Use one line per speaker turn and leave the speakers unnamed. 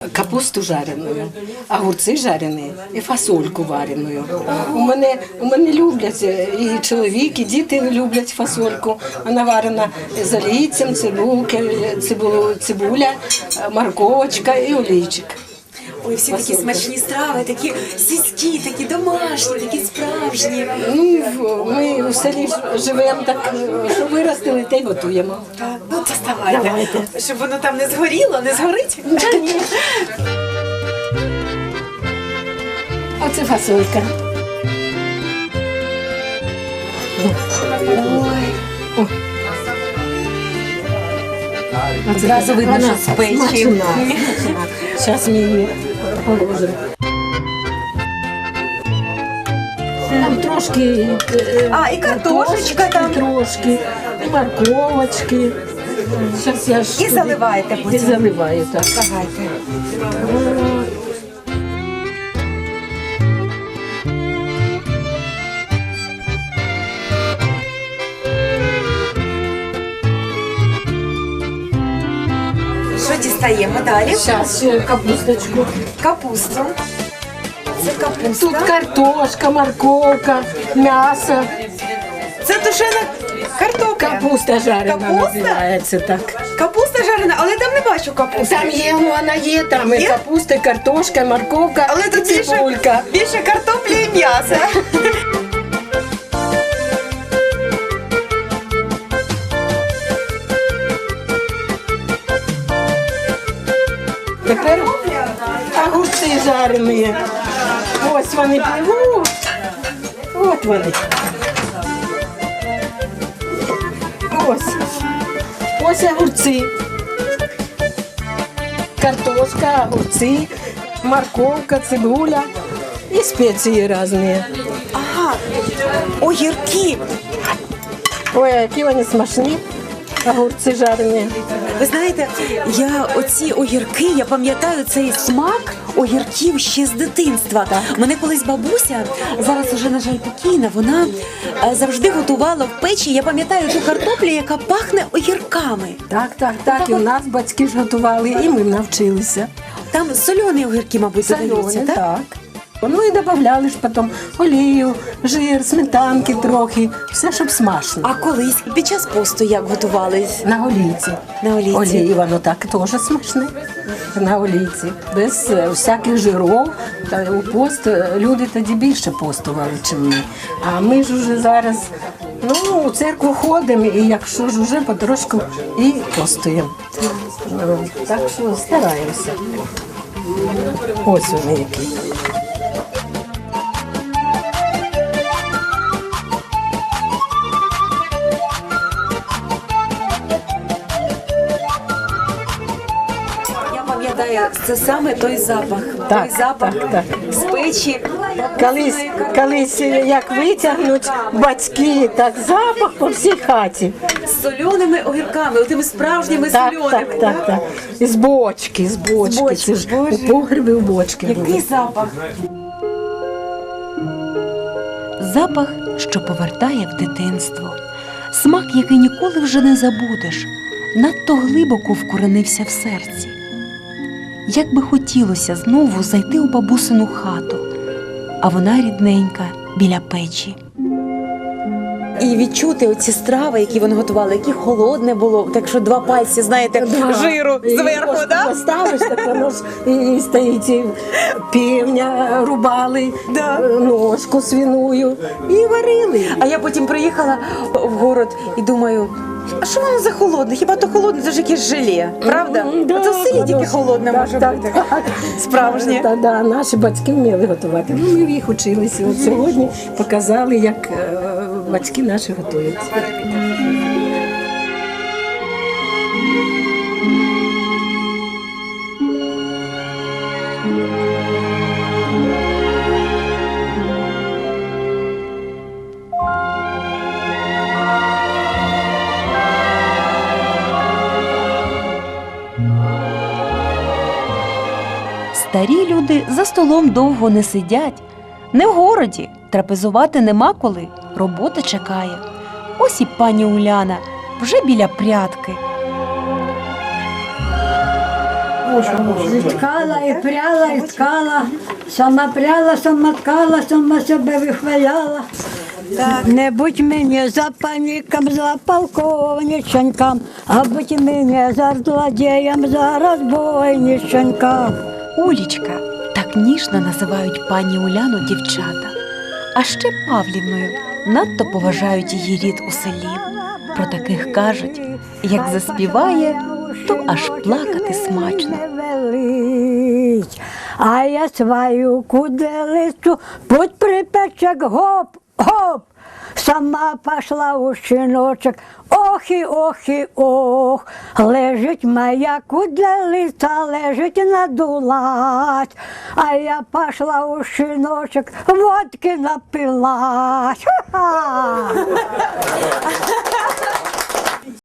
Капусту жареною, огурці жарені і фасольку вареною. У мене люблять, і чоловік, і діти люблять фасольку. Вона варена з олійцем, цибуля, морковочка і олійчик.
Ой, всі такі смачні страви, такі сільські, такі домашні, такі справжні.
Ну, ми в селі живемо так, що виростили, те й готуємо.
Ну, доставайте. Давайте. Щоб воно там не згоріло, не згорить?
Ні. Оце фасолька.
Ой. Одразу видно, що з печі.
Зараз ми її положимо. Там трошки
і картошечка там.
Трошки, і морковочки. Зараз я ж
І заливаєте потім.
І заливаю, так.
Давайте. Що дістаємо далі?
Зараз капусточку.
Капусту. Це капуста.
Тут картошка, морковка, м'ясо.
Це тушена картопля.
Капуста жарена
Капуста?
називається так.
Капуста жарена, але там не бачу капусти.
Там є, ну вона є, там і
Є?
капуста, і картошка, і морковка,
Але
і
тут
цибулька.
більше картоплі і м'яса.
Тепер огурці жарені. Ось вони пливуть. От вони. Ось огурці. Картошка, огурці, морковка, цибуля і спеції різні.
Ага, огірки.
Ой, які вони смачні. Огурці жарені.
Ви знаєте, оці огірки, я пам'ятаю цей смак огірків ще з дитинства. Мене колись бабуся, зараз уже, на жаль, покійна, вона завжди готувала в печі, я пам'ятаю ту картоплю, яка пахне огірками.
Так, і у нас батьки ж готували, і ми навчилися.
Там солені огірки, мабуть, додаються, так?
Так. Ну і додавали ж потім олію, жир, сметанки трохи, все, щоб смачно.
А колись під час посту як готувались?
На олійці.
На олійці.
Олії, воно так теж смачне. На олійці. Без всяких жиров. Та у пост люди тоді більше постували, ніж ми. А ми ж уже зараз у церкву ходимо, і якщо ж уже потрошку і постуємо. Так що стараємося. Ось вони які.
Це саме той запах.
Так,
той запах
так.
з печі.
Колись як витягнуть батьки, так запах по всій хаті.
З соленими огірками, отими справжніми соленими.
Так. З бочки. Це ж у погребі у бочки.
Який запах?
Запах, що повертає в дитинство. Смак, який ніколи вже не забудеш, надто глибоко вкоренився в серці. Як би хотілося знову зайти у бабусину хату, а вона рідненька біля печі.
І відчути оці страви, які вони готували, які холодне було, так що 2 пальці, знаєте, жиру зверху, так?
Поставиш, так воно ж і стоїть, і півня рубали, ножку свиную і варили.
А я потім приїхала в город і думаю, а що воно за холодне? Хіба то холодне, це ж якесь желе, правда? А це в селі тільки холодне може бути. Справжнє.
Так, наші батьки вміли готувати. Ми в їх училися. От сьогодні показали, як батьки наші готують.
Старі люди за столом довго не сидять. Не в городі, трапезувати нема коли, робота чекає. Ось і пані Уляна вже біля прядки.
Ткала і пряла, і ткала. Сама пряла, сама ткала, сама себе вихваляла. Не будь мені за паніком, за полковниченьком, а будь мені за злодієм, за розбойниченьком.
Улічка, так ніжно називають пані Уляну дівчата. А ще Павлівною надто поважають її рід у селі. Про таких кажуть, як заспіває, то аж плакати смачно.
А я свою куделицю путь припечек, гоп, гоп. Сама пошла у щіночок, ох і ох, лежить моя куделиця, лежить надулась, а я пошла у щіночок, водки напилась. Ха-ха!